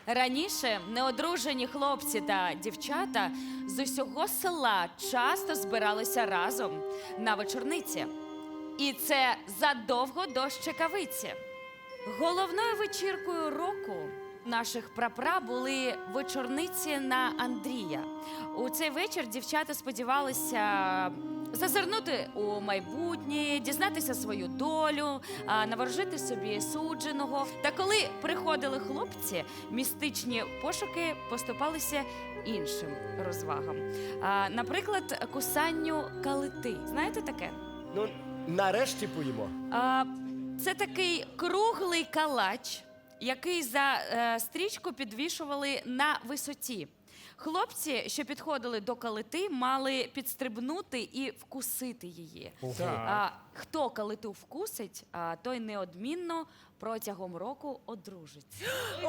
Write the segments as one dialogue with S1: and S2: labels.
S1: Раніше неодружені хлопці та дівчата з усього села часто збиралися разом на вечорниці. І це задовго до Щекавиці. Головною вечіркою року наших прапра були вечорниці на Андрія. У цей вечір дівчата сподівалися зазирнути у майбутнє, дізнатися свою долю, наворожити собі судженого. Та коли приходили хлопці, містичні пошуки поступалися іншим розвагам. Наприклад, кусанню калити. Знаєте таке?
S2: Ну, нарешті поїмо.
S1: Це такий круглий калач, який за стрічку підвішували на висоті. Хлопці, що підходили до калити, мали підстрибнути і вкусити її. Хто калиту вкусить, той неодмінно протягом року одружиться.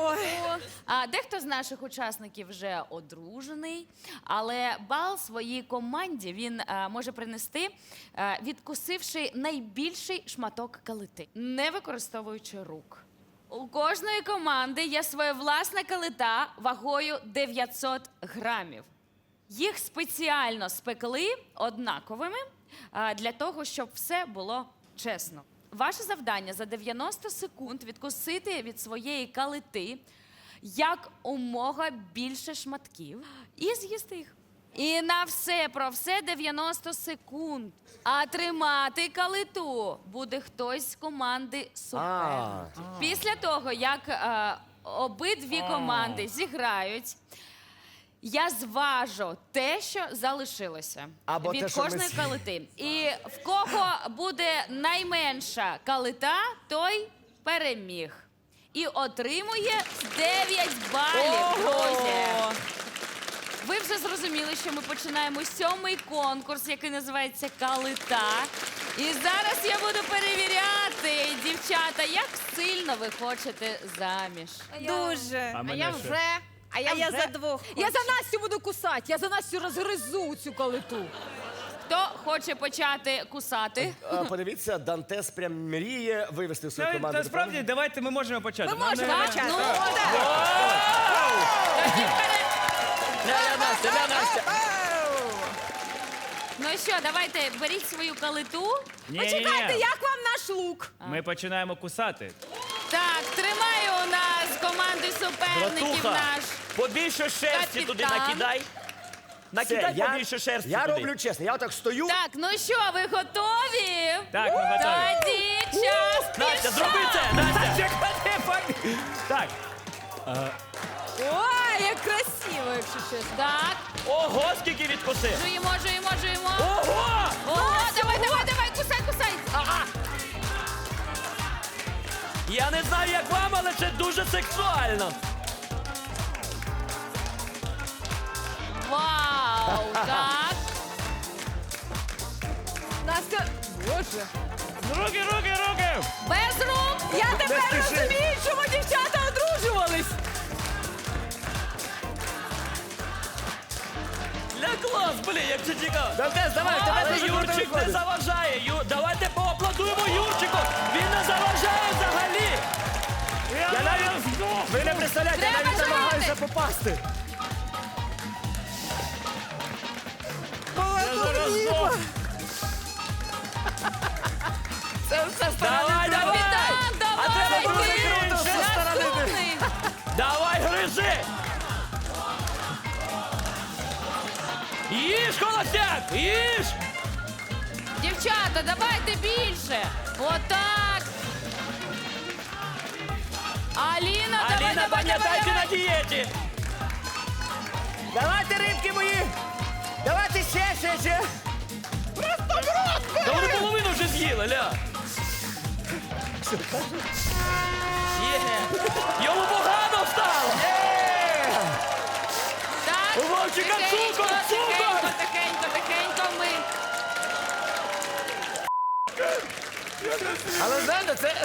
S1: Дехто з наших учасників вже одружений, але бал своїй команді він може принести, відкусивши найбільший шматок калити, не використовуючи рук. У кожної команди є своя власна калита вагою 900 грамів. Їх спеціально спекли однаковими для того, щоб все було чесно. Ваше завдання за 90 секунд відкусити від своєї калити якомога більше шматків і з'їсти їх. І на все про все 90 секунд. А тримати калиту буде хтось з команди суперника. Після того, як обидві команди зіграють, я зважу те, що залишилося від кожної калити. І в кого буде найменша калита, той переміг. І отримує 9 балів, друзі. Ви вже зрозуміли, що ми починаємо 7-й конкурс, який називається «Калита». І зараз я буду перевіряти, дівчата, як сильно ви хочете заміж.
S3: Дуже.
S4: А я вже.
S3: А я за двох.
S5: Я за Настю буду кусати, я за Настю розгризу цю калиту.
S1: Хто хоче почати кусати?
S2: Подивіться, Дантес прям мріє вивести в свою команду.
S4: Насправді, давайте ми можемо почати.
S5: Ми можемо почати.
S1: Ну,
S4: Настя.
S1: Ну що, давайте, беріть свою калиту.
S5: Почекайте, як вам наш лук?
S4: Ми починаємо кусати.
S1: Так, тримаю у нас команди суперників
S6: Братуха,
S1: наш.
S6: побільше шерсті туди
S1: капітан.
S6: накидай. Накидай побільше шерсті
S2: Я
S6: туди.
S2: роблю чесно, я отак стою.
S1: Так, ну що, ви готові?
S4: Так, ми готові.
S1: Тоді час
S6: Настя,
S1: пішов!
S6: зроби це! Настя!
S4: Так,
S5: Ой, як красиво, якщо чесно.
S1: Так,
S6: Ого, скільки відкусив!
S1: жуємо.
S6: Ого!
S1: Ого, давай, кусай.
S6: Я не знаю, як вам, але це дуже сексуально.
S1: Вау, так.
S5: Настя, боже.
S4: руки!
S1: Без рук.
S5: Я тепер розумію, чому дівчата одружувались.
S6: Для клас, блін, як це цікаво.
S2: Дантес, давай, тебе
S6: Але
S2: дуже круто
S6: Юрчик не
S2: виходить.
S6: заважає. Давайте поаплодуємо Юрчику. Він не заважає взагалі.
S2: Ви не представляєте, я
S1: Треба
S2: навіть
S1: жувати.
S2: намагаюся попасти.
S6: Давай!
S1: Капітан,
S6: А треба
S1: давай.
S6: дуже
S1: ти
S6: круто зі сторони.
S1: наступний.
S6: Давай, гризи! Їж, холостяк, їж!
S1: Дівчата, давайте більше. Отак. Аліна,
S6: Аліна, пам'ятайте на дієті!
S2: Давайте, рибки мої. Давайте ще.
S6: Та вони половину вже з'їли, ля! Є! Йому погано стало!
S1: Так,
S6: У Вовчика цукор, цукор!
S1: Тихенько ми.
S2: Але знаєте, це...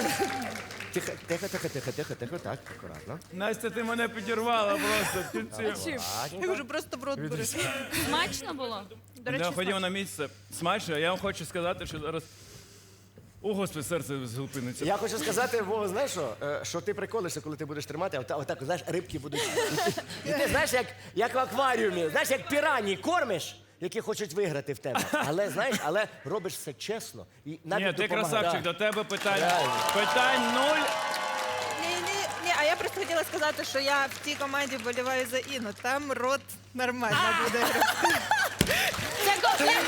S2: Тихо, так, акуратно.
S4: Настя, ти мене підірвала просто в кінці.
S3: Я кажу, просто в рот бери.
S1: Смачно було?
S3: До речі,
S4: Ходімо на місце. Смачно, я вам хочу сказати, що зараз О, Господи, серце зупиниться.
S2: Я хочу сказати, Вова, знаєш що? Що ти приколишся, коли ти будеш тримати, а отак, знаєш, рибки будуть. І ти знаєш, як в акваріумі, знаєш, як пірані кормиш, які хочуть виграти в тебе. Але знаєш, робиш все чесно. І навіть
S4: Ні, ти
S2: допомагає.
S4: красавчик,
S2: Да.
S4: до тебе питань.
S2: Реально.
S4: Питань нуль.
S3: Ні, а я просто хотіла сказати, що я в тій команді боліваю за Інну. Там рот нормально буде.
S1: Це комплімент!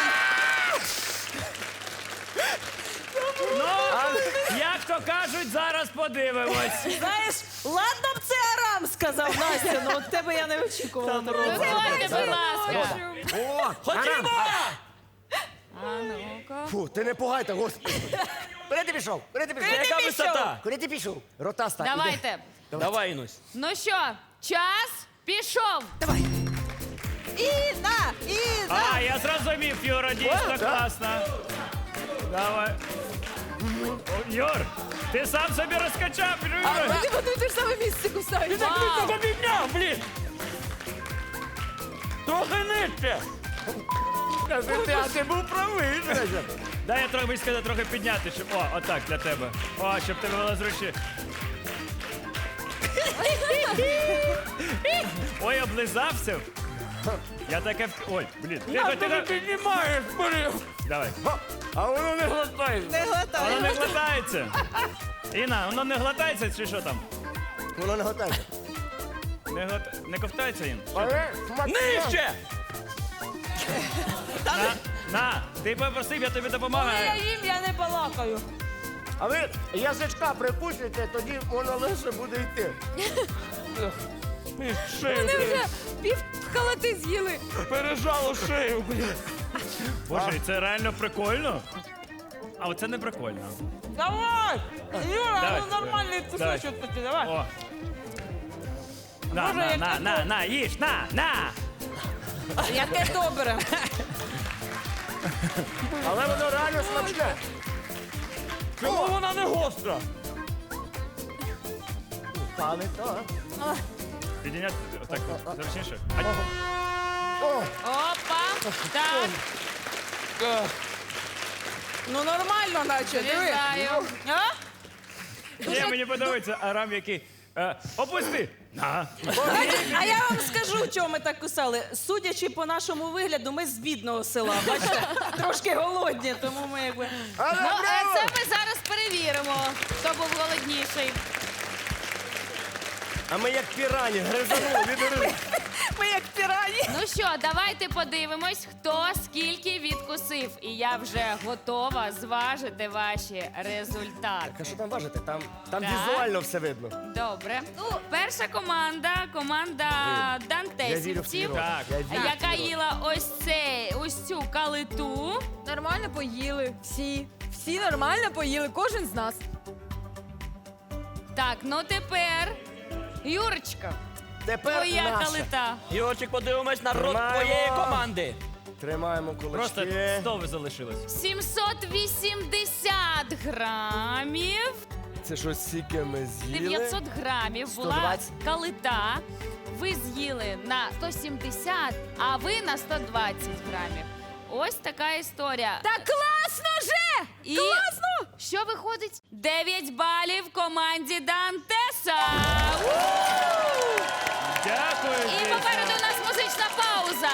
S4: Ну, як то кажуть, зараз подивимось.
S6: Знаєш, ладно б це Арам сказав, Настя, ну от тебе я не очікувала.
S1: Виходьте, будь ласка.
S2: О,
S6: Ходімо!
S1: А ну-ка.
S2: Фу, ти не пугайте, господи. Куди ти пішов? Куди ти пішов?
S6: Яка висота?
S2: Куди ти пішов? Ротаста. іди.
S1: Давайте.
S6: Давай, Інусь.
S1: Ну що, час пішов.
S3: Інна!
S4: А, я зрозумів, Юра, дійсно класно. Давай. О, Юр, ти сам собі розкачав. Юра.
S5: Ти в одне й те ж саме місце кусаєш.
S6: Так ти тебе підняв, блін! Трохи нижче!
S4: А ти був правий. Дай я трохи сказати, трохи підняти, щоб. О, отак для тебе. О, щоб тебе було зручніше. Ой, облизався. Я таке. Ой, блін. Ти піднімаєш, блін. Давай.
S2: А воно не глотає.
S3: Не
S4: Воно
S3: глотай.
S4: не глотається. Інна, воно не глотається чи що там?
S2: Воно не глотає.
S4: Не ковтається, Ін?
S2: Але смачно.
S6: Нижче!
S4: На, ти попросив, я тобі допомагаю.
S6: їм, я не балакаю.
S2: А ви язичка прикусите, тоді воно лише буде йти.
S5: Вони вже пів халати з'їли.
S4: Пережало шею, блін. Боже, і це реально прикольно. А оце не прикольно.
S6: Давай! Юра,
S4: Давай.
S6: ну нормальний
S4: Давай.
S6: кусочок такий, давай.
S4: О.
S6: Боже, як
S4: На, їж, на!
S6: Яке добре.
S2: Але воно реально смачне.
S6: Чому вона не гостра?
S2: Пали, то.
S4: Підійняти отак зручніше.
S1: Опа. Так,
S6: Ну нормально, наче, диви.
S1: вітаю.
S6: А?
S4: Ні, мені подобається Арам, який. Опусти! На.
S6: А я вам скажу, чого ми так кусали. Судячи по нашому вигляду, ми з бідного села. Бачите, трошки голодні, тому ми якби.
S1: Ну, це ми зараз перевіримо, хто був голодніший.
S2: А ми як пірані, гризанули від риби.
S6: Ми як пірані.
S1: Ну що, давайте подивимось, хто скільки відкусив. І я вже готова зважити ваші результати.
S2: А що там важите? Там
S1: Так.
S2: візуально все видно.
S1: Добре. Ну, перша команда
S2: Я вірю в твій
S1: дантесівців,
S2: рот.
S4: Так.
S2: Я вірю в
S1: яка
S2: твій рот.
S1: їла ось цю калиту.
S5: Нормально поїли. Всі. Всі нормально поїли, кожен з нас.
S1: Так, ну тепер, Юрочка,
S2: Тепер
S1: твоя
S2: наша.
S1: калита.
S6: Юрчик, подивимось на рот
S2: Тримаємо.
S6: твоєї команди.
S2: Тримаємо кулачки.
S4: Просто 100 залишилось.
S1: 780 грамів.
S2: Це щось стільки ми з'їли.
S1: 900 грамів була
S2: 120.
S1: калита. Ви з'їли на 170, а ви на 120 грамів. Ось така історія.
S5: Та класно же!
S1: І
S5: Класно!
S1: що виходить? 9 балів команді Дантеса.
S4: Дякую.
S1: І
S4: дійсно.
S1: попереду у нас музична пауза.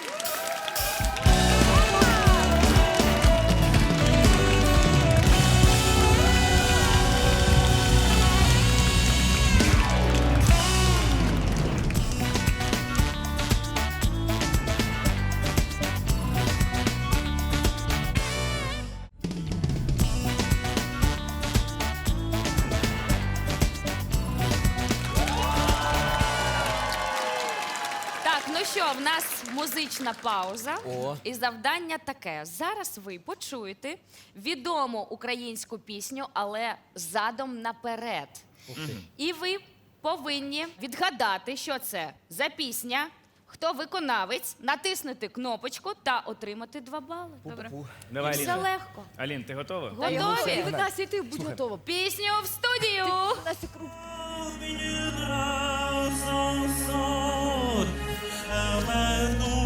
S1: Так, ну що, в нас музична пауза.
S6: О.
S1: І завдання таке. Зараз ви почуєте відому українську пісню, але задом наперед. І ви повинні відгадати, що це за пісня, хто виконавець, натиснути кнопочку та отримати 2 бали. Добре.
S4: Давай,
S1: Все
S4: Аліна.
S1: легко.
S4: Алін, ти готова?
S5: І
S1: Готові?
S5: ви, Настя, і ти будь готова.
S1: Пісню в студію.
S5: Настя, круг.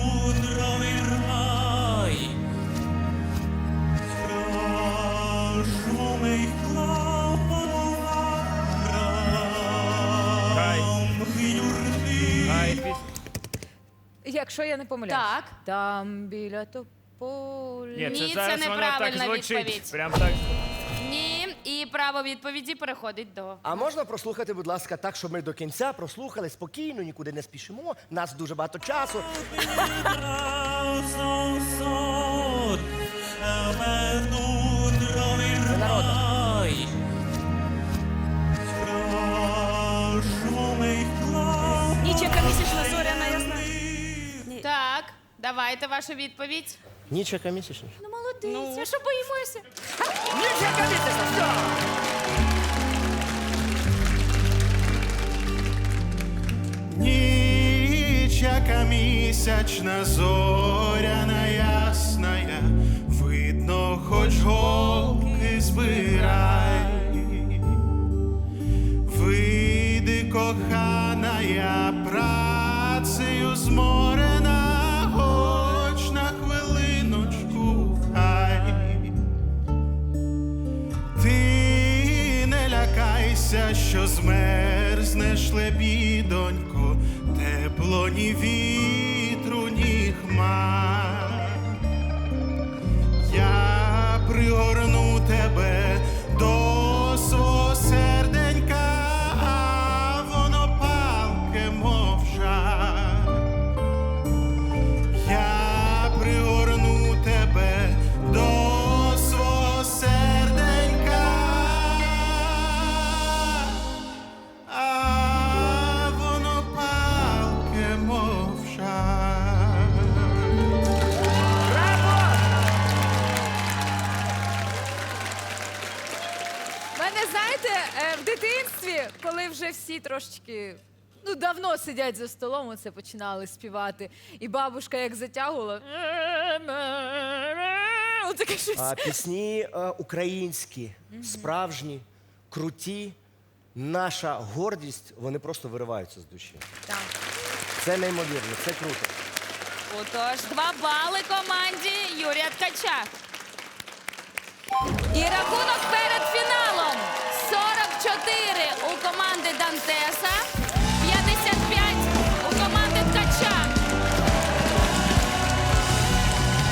S7: Страшно
S5: якщо я не помиляюсь.
S1: Так.
S5: Там біля тополі.
S1: Ні, це
S4: зараз воно так
S1: неправильна
S4: звучить.
S1: відповідь.
S4: Прям так.
S1: Ні, і право відповіді переходить до.
S2: А можна прослухати, будь ласка, так, щоб ми до кінця прослухали спокійно, нікуди не спішимо. Нас дуже багато часу. Це народна.
S6: Ніч, яка місячна зоряна, ясна.
S1: Так, давайте вашу відповідь.
S2: Ніч яка місячна.
S1: Ну, молодець, а що боїмося?
S2: Ніч яка місячна, все!
S7: Ніч, яка місячна, зоряна ясная, видно, хоч голки збирай. Вийди, кохана, я працею зморена, хоч на хвилиночку хай. Ти не лякайся, що змерзнеш, лебідонько, тепло ні вітру, ні хмар. Я пригорну тебе до свого серденька, а воно палке, мов жар. Я пригорну тебе до свого серденька, а воно палке, мов жар.
S5: У мене, знаєте, в дитинстві, коли вже всі трошечки давно сидять за столом, оце починали співати. І бабушка як затягувала. Отаке щось.
S2: А пісні українські, справжні, круті, наша гордість, вони просто вириваються з душі.
S5: Так.
S2: Це неймовірно, це круто.
S1: Отож, 2 бали команді Юрія Ткача. І рахунок перед фіналом 44 у команди Дантеса,